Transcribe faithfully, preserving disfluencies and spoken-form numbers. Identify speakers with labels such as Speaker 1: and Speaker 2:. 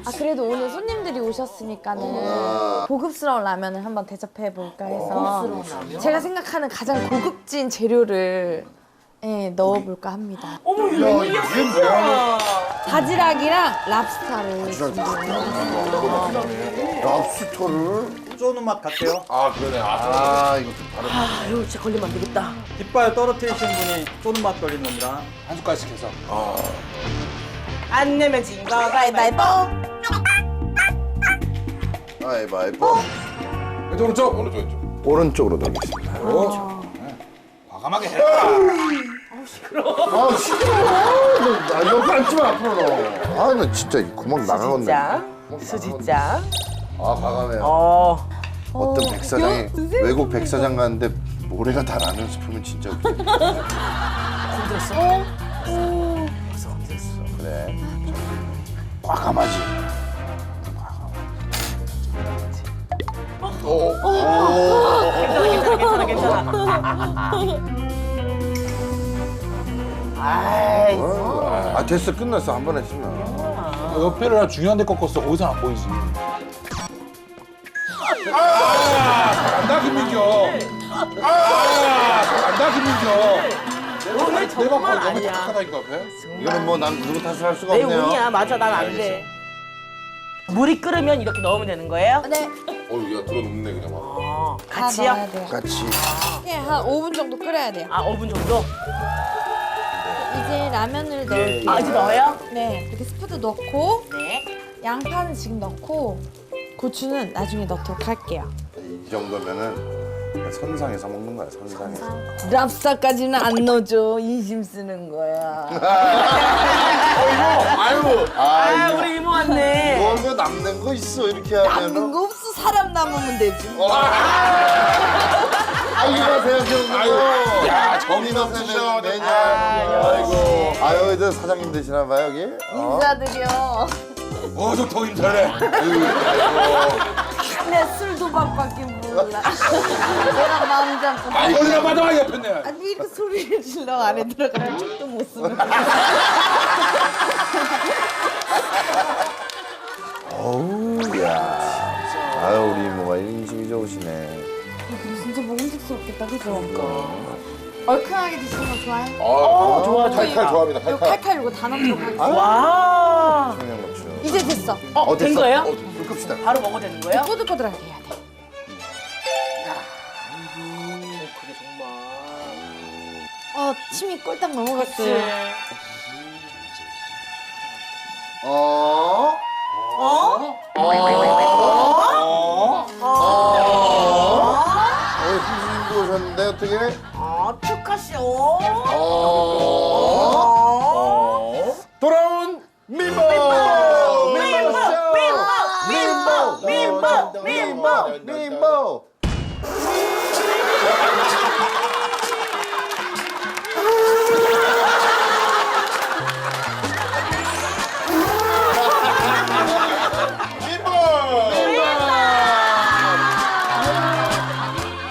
Speaker 1: 아 그래도 오늘 손님들이 오셨으니까는 고급스러운 라면을 한번 대접해 볼까 해서 제가 생각하는 가장 고급진 재료를 예, 넣어볼까 합니다.
Speaker 2: 어머 이거 웬일이야?
Speaker 1: 바지락이랑 랍스타를 준비해요.
Speaker 3: 랍스터를?
Speaker 4: 쪼는 맛 같아요.
Speaker 3: 아 그러네. 아 이거 좀 다르다.
Speaker 2: 아 이거 진짜 걸리면 안 되겠다.
Speaker 4: 깃발 떨어뜨리신 분이 쪼는 맛 걸린 겁니다.
Speaker 3: 한 숟갈씩 해서.
Speaker 2: 안 내면 진 거 가위바위보.
Speaker 3: 가위바위보. 왼쪽 오른쪽 오른쪽 왼쪽. 오른쪽으로 돌리겠습니다.
Speaker 4: 과감하게 해라.
Speaker 3: 아 시끄러워. 나 옆에 앉지마 앞으로. 아나 진짜 이 구멍 나가겠네.
Speaker 2: 수지짱. 수지짱.
Speaker 3: 아 과감해요.
Speaker 2: 어.
Speaker 3: 어떤 백사장이 외국 백사장 갔는데 모래가 다 라면 스프면 진짜 웃겨.
Speaker 2: 힘들었어? 벌써 힘들었어.
Speaker 3: 그래. 과감하지. 오. 오.
Speaker 2: 괜찮아 괜찮아 괜찮아 괜찮아. 아이.
Speaker 3: 아 됐어 끝났어 한 번 했으면.
Speaker 5: 옆에를 중요한 데 꺾었어. 거기서 안 보이지. 아! 잘한다 김민경. 아! 잘한다 김민경.
Speaker 2: 오늘 정말
Speaker 5: 너무
Speaker 2: 아니야.
Speaker 5: 착하다니까 앞에.
Speaker 3: 이거는 뭐 난 누구 탓을 할 수가
Speaker 2: 내
Speaker 3: 없네요.
Speaker 2: 운이야. 맞아 난 안 돼. 물이 끓으면 이렇게 넣으면 되는 거예요?
Speaker 1: 네,
Speaker 5: 어우 야 들어눕네 그냥 막.
Speaker 2: 어.
Speaker 1: 다
Speaker 2: 같이요?
Speaker 1: 넣어야 돼요.
Speaker 3: 같이.
Speaker 1: 예, 한 오 분 정도 끓여야 돼요.
Speaker 2: 아 오 분 정도?
Speaker 1: 이제 라면을 넣을게요.
Speaker 2: 아 이제 넣어요?
Speaker 1: 네, 이렇게 스프도 넣고
Speaker 2: 네.
Speaker 1: 양파는 지금 넣고 고추는 나중에 넣도록 할게요.
Speaker 3: 이 정도면은 그냥 선상에서 먹는 거야 선상에서.
Speaker 1: 랍스타까지는 안 넣어줘. 인심 쓰는 거야.
Speaker 3: 아유.
Speaker 2: 아
Speaker 3: 아 이거
Speaker 2: 우리 이모 왔네.
Speaker 3: 뭐 이거 남는 거 있어 이렇게
Speaker 1: 남는
Speaker 3: 하면은.
Speaker 1: 거 없어. 사람 남으면 되지.
Speaker 3: 아 이거 생각해보고.
Speaker 5: 야
Speaker 3: 정이나
Speaker 5: 정신없으셔.
Speaker 3: 매년.
Speaker 2: 아이고.
Speaker 3: 아이고. 아유 이제 사장님 되시나 봐요 여기. 어?
Speaker 1: 인사드려.
Speaker 5: 어저 더 힘들네.
Speaker 1: 내 술 도박밖에 몰라. 내가 마음 잡고.
Speaker 5: 아 이거나 받아 옆에 내.
Speaker 1: 아니 이렇게 소리를 질러 안에 들어가면 쪽도 못 쓰는.
Speaker 3: 어우 야. 아유 우리 이모가 인심이 좋으시네.
Speaker 1: 진짜 먹음직스럽겠다, 그죠? 얼큰하게 드시는 거 좋아해?
Speaker 3: 어
Speaker 2: 좋아, 좋아.
Speaker 3: 칼칼 좋아합니다
Speaker 1: 이거
Speaker 3: 칼칼.
Speaker 1: 칼칼 이거 다 넣도록 할게요.
Speaker 2: 와.
Speaker 3: 청양고추.
Speaker 1: 이제 됐어.
Speaker 2: 어, 된
Speaker 3: 됐어?
Speaker 2: 거예요?
Speaker 3: 어, 불 끕시다.
Speaker 2: 바로 먹어도 되는 거예요?
Speaker 1: 꼬들꼬들하게 해야 돼.
Speaker 2: 음, 그게 정말.
Speaker 1: 어, 침이 꼴딱 넘어갔어요.
Speaker 3: 어?
Speaker 2: 어?
Speaker 3: 어? 어, 선생님도 오셨는데 어떻게?
Speaker 2: 아, 축하쇼.
Speaker 3: 어?
Speaker 2: 어?
Speaker 3: 돌아온 민보! 민보! 민보! 민보! 민보! 민보! 민보!